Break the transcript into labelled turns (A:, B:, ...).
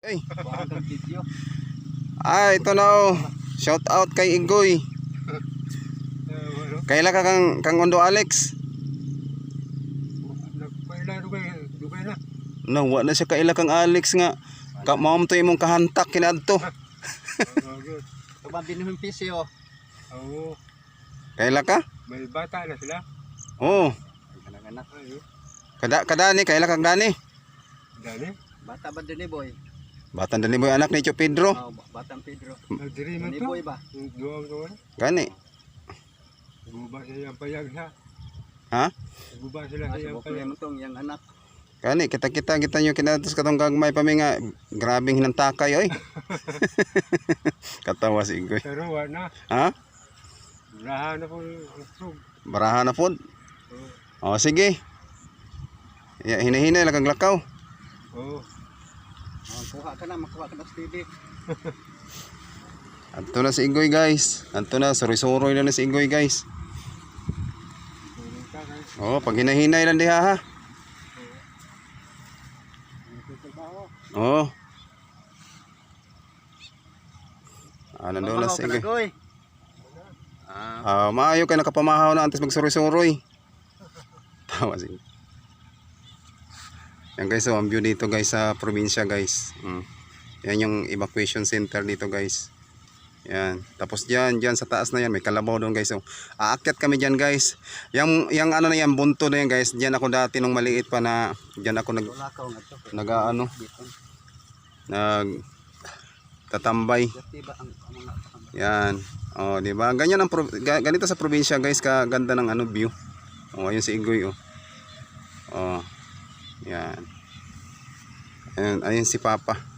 A: Ay,
B: Bahagang video.
A: ito na oh. Shout out kay Igoy. Kaila ka kang Ondo Alex?
B: Dugay na.
A: No, wa na siya kaila kang Alex nga. Mao to imong kahantak kinadto.
B: Tuban binuhing pisyo.
C: Oo.
A: Kaila ka?
C: May bata na sila.
A: Oo.
B: Anak-anak.
A: Kadani kaila kang Dani.
C: Dani.
B: Bata ba din ni boy?
A: Batan Dani boy anak ni Tio Pedro.
B: Oh, batang Pedro.
C: Nagdiri man
B: Ni
C: to.
B: boy ba?
C: Duwa ko man.
A: Gani.
C: Guba siya yung payag ha.
A: Ha?
C: Guba sila sa yung
B: Subok
C: payag.
B: mo tong yang anak.
A: Gani kita nyo kinatos katong gagmay pa mi nga grabing hinantakay oy. Katawa si Igoy.
C: Pero wala na.
A: Ha?
C: Rahan na po ang sug.
A: Baraha na pod. Oh sige. Ya hinahinay lang kang lakaw.
C: Oo.
B: Oh, kuha ka na, makuha ka na sa TV.
A: Anto na si Igoy guys. Anto na suri-suroy na si Igoy guys.
C: Tulong ka guys.
A: Oh, pag hinahinay lang diha ha. Oh. Nandun na si Igoy. Maayo kay nakapamahaw na antes magsuroy-suroy. Tawa si. Yan guys, so ang view dito guys sa probinsya guys. Yan yung evacuation center dito guys. Yan. Tapos diyan sa taas na yan may kalabaw doon guys. So aakyat kami diyan guys. Yang ano na yan bunto na yan guys. Diyan ako dati nung maliit pa na diyan ako tatambay. Yan. Oh, di ba? Ganyan ang ganito sa probinsya guys, kaganda ng ano view. Oh, ayun si Igoy oh. Oh. Yan. Ayun si Papa.